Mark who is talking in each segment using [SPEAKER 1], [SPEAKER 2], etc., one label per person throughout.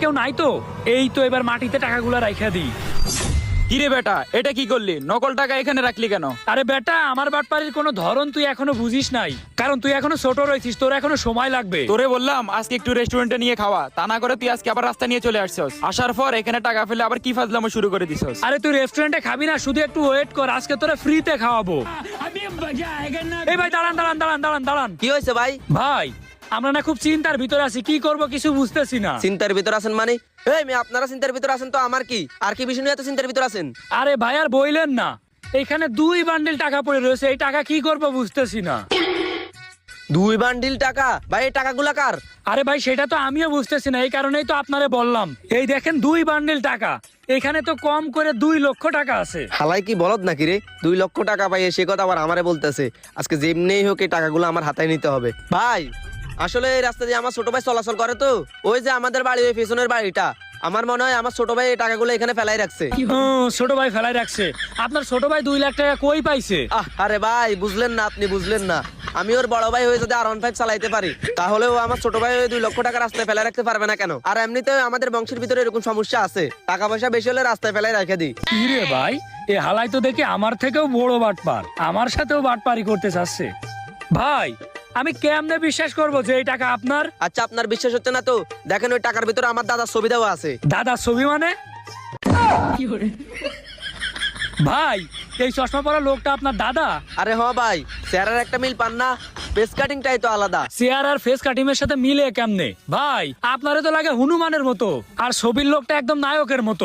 [SPEAKER 1] কেউ নাই তো? এই তো এবার মাটিতে টাকাগুলো রাইখা দিই।
[SPEAKER 2] কিরে বেটা, এটা কি করলি? নকল টাকা এখানে রাখলি কেন?
[SPEAKER 1] আরে বেটা, আমার বাটপাড়ির কোনো ধরন তুই এখনো বুঝিস নাই, কারণ তুই এখনো ছোট রয়েছিস, তোর এখনো সময় লাগবে।
[SPEAKER 2] তোরে বললাম আজকে একটু রেস্টুরেন্টে নিয়ে খাওয়া, তা না করে তুই আজকে আবার রাস্তা নিয়ে চলে আসছস। আসার পর এখানে টাকা ফেলে আবার কি ফাজলামো শুরু করে দিছস।
[SPEAKER 1] আরে তুই রেস্টুরেন্টে খাবি না, শুধু একটু ওয়েট কর, আজকে তোরা ফ্রিতে খাওয়াবো। এই ভাই দাঁড়ান দাঁড়ান দাঁড়ান দাঁড়ান দাঁড়ান।
[SPEAKER 3] কি হয়েছে ভাই?
[SPEAKER 1] ভাই আমরা না খুব চিন্তার ভিতরে আছি, কি করব কিছু বুঝতেছি না।
[SPEAKER 3] চিন্তার ভিতর আছেন মানে? এই মেয়ে, আপনারা চিন্তার ভিতর আছেন তো আমার কি? আর কি বিষয় নিয়ে এত চিন্তার ভিতর আছেন?
[SPEAKER 1] আরে ভাই আর বইলেন না, এখানে 2 বান্ডিল টাকা পড়ে রয়েছে, এই টাকা কি করব বুঝতেছি না।
[SPEAKER 3] 2 বান্ডিল টাকা? ভাই এই টাকাগুলা কার?
[SPEAKER 1] আরে ভাই সেটা তো আমিও বুঝতেছি না, এই কারণেই তো আপনারে বললাম। এই দেখেন 2 বান্ডিল টাকা, এখানে তো কম করে 2 লক্ষ টাকা আছে।
[SPEAKER 3] হালাই কি বলদ নাকি রে? 2 লক্ষ টাকা পাই সে কথা আবার আমারে বলতেছে। আজকে যেমনিই হোক এই টাকাগুলো আমার হাতায় নিতে হবে। ভাই আসলে এই রাস্তা দিয়ে আমার ছোট ভাই চলাচল করে তো, ওই যে আমাদের বাড়ি, ওই পেছনের বাড়িটা, আমার মনে হয় আমার ছোট ভাই এই টাকাগুলো এখানে ফেলাই রাখছে।
[SPEAKER 1] ছোট ভাই ফেলাই রাখছে? আপনার ছোট ভাই 2 লাখ টাকা কই পাইছে?
[SPEAKER 3] আরে ভাই বুঝলেন না, আপনি বুঝলেন না। আমি ওর বড় ভাই হয়ে যদি R15 চালাইতে পারি, তাহলে ও আমার ছোট ভাই ওই 2 লক্ষ টাকা রাস্তায় ফেলাই রাখতে পারবে না কেন? আর এমনিতে আমাদের বংশের ভিতরে এরকম সমস্যা আছে, টাকা পয়সা বেশি হলে রাস্তায় ফেলাই রেখে দিই।
[SPEAKER 1] কি রে ভাই, এ হালাই তো দেখে আমার থেকেও বড় বাটপার, আমার সাথেও বাটপারি করতে চাচ্ছে। ভাই আমি কেমনে বিশ্বাস করব যে এই টাকা আপনার?
[SPEAKER 3] আচ্ছা আপনার বিশ্বাস হচ্ছে না তো দেখেন, ওই টাকার ভিতরে আমার দাদার ছবি দেওয়া আছে।
[SPEAKER 1] দাদা ছবি মানে? ভাই এই চশমা পরা লোকটা আপনার দাদা?
[SPEAKER 3] আরে হ ভাই, চেহারার একটা মিল পান না? ফেস কাটিংটাই তো আলাদা।
[SPEAKER 1] চেয়ার আর ফেস কাটিং এর সাথে মিলে কেমনে? ভাই আপনারে তো লাগে হনুমানের মতো, আর ছবির লোকটা একদম নায়কের মতো।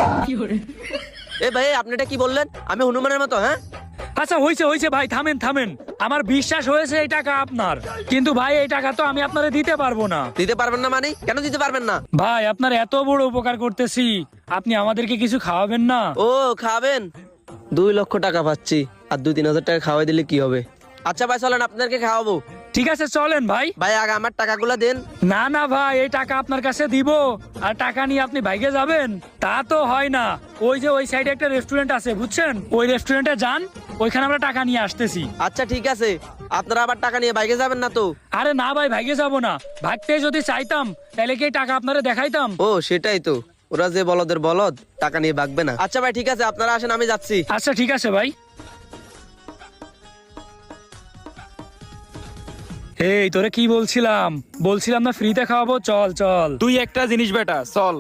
[SPEAKER 3] এ ভাই আপনি এটা কি বললেন? আমি হনুমানের মতো? হ্যাঁ
[SPEAKER 1] আচ্ছা হইছে হইছে ভাই, থামেন থামেন। আমার বিশ্বাস হয়েছে এই টাকা আপনার, কিন্তু ভাই এই টাকা তো আমি আপনারে দিতে পারবো না।
[SPEAKER 3] দিতে পারবেন না মানে? কেন দিতে পারবেন না?
[SPEAKER 1] ভাই আপনার এত বড় উপকার করতেছি, আপনি আমাদেরকে কিছু খাওয়াবেন না?
[SPEAKER 3] ও খাবেন? 2 লক্ষ টাকা পাচ্ছি, আর 2-3 হাজার টাকা খাওয়াই দিলে কি হবে? আচ্ছা ভাই চলেন আপনাদেরকে খাওয়াবো।
[SPEAKER 1] ঠিক আছে চলেন ভাই।
[SPEAKER 3] ভাই আগে আমার টাকাগুলো দেন।
[SPEAKER 1] না না ভাই, এই টাকা আপনার কাছে দিব আর টাকা নিয়ে আপনি ভাইগে যাবেন, তা তো হয় না। ওই যে ওই সাইডে একটা রেস্টুরেন্ট আছে বুঝছেন, ওই রেস্টুরেন্টে যান, ওইখানে আমরা টাকা নিয়ে আসতেছি।
[SPEAKER 3] আচ্ছা ঠিক আছে, আপনারা আবার টাকা নিয়ে বাইকে যাবেন না তো?
[SPEAKER 1] আরে না ভাই, ভাইগে যাব না, ভাগতে যদি চাইতাম তাহলে কি এই টাকা আপনারে দেখাইতাম?
[SPEAKER 3] ও সেটাই তো, ওরা যে বলদের বলদ, টাকা নিয়ে ভাগবে না। আচ্ছা ভাই ঠিক আছে, আপনারা আসেন, আমি যাচ্ছি।
[SPEAKER 1] আচ্ছা ঠিক আছে ভাই। এই তোরে কি বলছিলাম, বলছিলাম না ফ্রিতে খাওয়াবো? চল চল।
[SPEAKER 2] তুই একটা জিনিস বেটা, চল।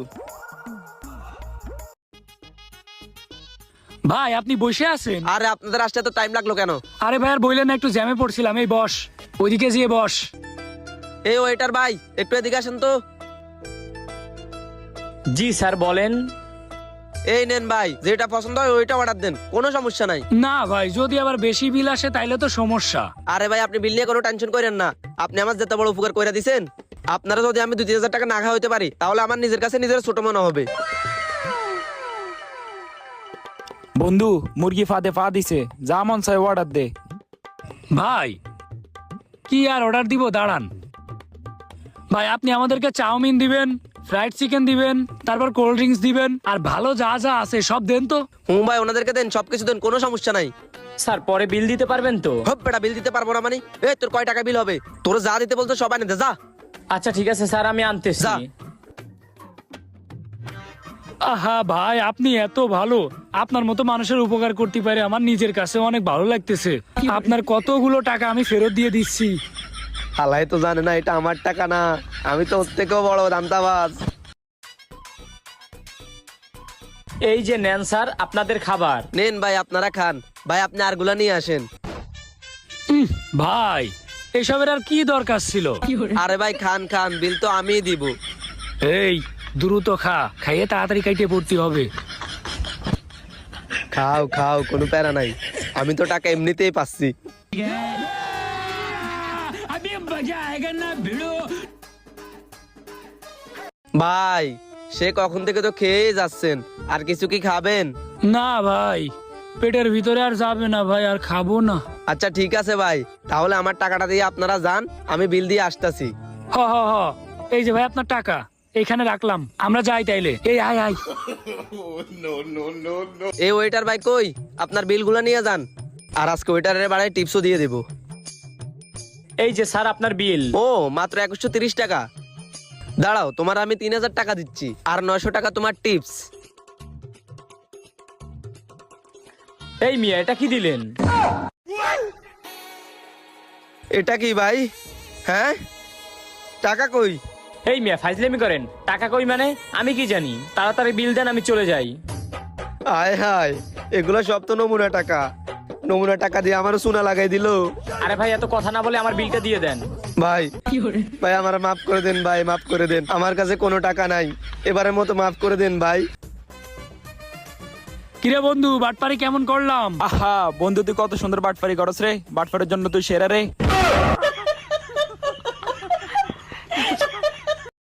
[SPEAKER 1] ভাই আপনি বসে আছেন?
[SPEAKER 3] আরে আপনাদের আসতে তো টাইম লাগলো কেন?
[SPEAKER 1] আরে ভাই আর বললেন না, একটু জ্যামে পড়ছিলাম। এই বস, ওইদিকে যেয়ে বস।
[SPEAKER 3] এই ওয়েটার ভাই একটু এদিকে আসেন তো।
[SPEAKER 4] জি স্যার বলেন।
[SPEAKER 3] এই নেন ভাই, যেটা পছন্দ হয় ওইটা অর্ডার দেন, কোনো সমস্যা নাই।
[SPEAKER 1] না ভাই, যদি আবার বেশি বিল আসে তাইলে তো সমস্যা।
[SPEAKER 3] আরে ভাই আপনি বিল নিয়ে কোনো টেনশন করেন না, আপনি আমার যেতে বড় উপকার করে দিছেন। আপনারা যদি আমি 2-3 হাজার টাকা না খাওয়া হইতে পারি, তাহলে আমার নিজের কাছে নিজের ছোট মনে হবে।
[SPEAKER 2] বন্ধু মুরগি ফাঁদে পা দিছে, যা মন চাই অর্ডার দে।
[SPEAKER 1] ভাই কি আর অর্ডার দিব, দাঁড়ান। ভাই আপনি আমাদেরকে চাউমিন দিবেন, ফ্রাইড চিকেন দিবেন, তারপর কোল্ড ড্রিঙ্কস দিবেন, আর ভালো যা যা আছে সব দেন তো।
[SPEAKER 3] হুম ভাই ওনাদেরকে দেন, সবকিছু দেন, কোনো সমস্যা নাই।
[SPEAKER 4] স্যার পরে বিল দিতে পারবেন তো?
[SPEAKER 3] হপ বেটা, বিল দিতে পারবো না মানে? এই তোর কয় টাকা বিল হবে? তোর যা দিতে বলতো সব আনে দে, যা
[SPEAKER 4] আচ্ছা ঠিক আছে স্যার, আমি আনতেছি।
[SPEAKER 3] যা।
[SPEAKER 1] আহা ভাই আপনি এত ভালো, আপনার মতো মানুষের উপকার করতে পারে আমার নিজের কাছে অনেক ভালো লাগতেছে। আপনার কতগুলো টাকা আমি ফেরত দিয়ে দিচ্ছি।
[SPEAKER 3] হালাই তো জানে না এটা আমার টাকা না, আমি তো ওর থেকেও বড় দামতাবাজ।
[SPEAKER 4] এই যে নেন স্যার আপনাদের খাবার।
[SPEAKER 3] নেন ভাই আপনারা খান। ভাই আপনি আরগুলা নিয়ে আসেন।
[SPEAKER 1] ভাই এসবের আর কি দরকার ছিল?
[SPEAKER 3] আরে ভাই খান খান, বিল তো আমিই দিব।
[SPEAKER 1] এই দ্রুত খা, খাইয়ে তাড়াতাড়ি কাইটে পড়তে হবে।
[SPEAKER 3] খাও খাও, কোনো প্যারা নাই, আমি তো টাকা এমনিতেই পাচ্ছি। ভাই সে কখন থেকে তো খেয়েই যাচ্ছেন, আর কিছু কি খাবেন?
[SPEAKER 1] না ভাই, পেটের ভিতরে আর যাবে না ভাই, আর খাবো না।
[SPEAKER 3] আচ্ছা ঠিক আছে ভাই, তাহলে আমার টাকাটা দিয়ে আপনারা যান, আমি বিল দিয়ে আসতেছি।
[SPEAKER 1] হ হ হ, এই যে ভাই আপনার টাকা এখানে রাখলাম, আমরা যাই তাইলে। এই আয় আয়।
[SPEAKER 3] এই ওয়েটার ভাই কই, আপনার বিলগুলো নিয়ে যান, আর আজকে ওয়েটারের বাড়ায় টিপসও দিয়ে দেবো।
[SPEAKER 4] এই যে স্যার আপনার বিল।
[SPEAKER 3] ও মাত্র 2130 টাকা? দাঁড়াও, তোমার আমি 3000 টাকা দিচ্ছি, আর 900 টাকা তোমার টিপস।
[SPEAKER 4] এই মিয়া এটা কি দিলেন?
[SPEAKER 3] এটা কি ভাই? হ্যাঁ, টাকা কই?
[SPEAKER 4] এই মিয়া ফাইজলামি করেন, টাকা কই মানে? আমি কি জানি, তাড়াতাড়ি বিল দেন, আমি চলে যাই।
[SPEAKER 3] আয় হায়, এগুলো সব তো নমুনা টাকা। নমুনা টাকা দিয়ে আমারও সোনা লাগাই দিল।
[SPEAKER 4] আরে ভাই এত কথা না বলে আমার বিলটা দিয়ে দেন।
[SPEAKER 3] ভাই ভাই আমার মাফ করে দেন ভাই, মাফ করে দেন, আমার কাছে কোনো টাকা নাই, এবারের মতো মাফ করে দেন ভাই।
[SPEAKER 1] কিরে বন্ধু, বাটপারি কেমন করলাম?
[SPEAKER 2] আহা বন্ধু, তুই কত সুন্দর বাটফারি করস রে, বাটফারের জন্য তুই সেরা রে।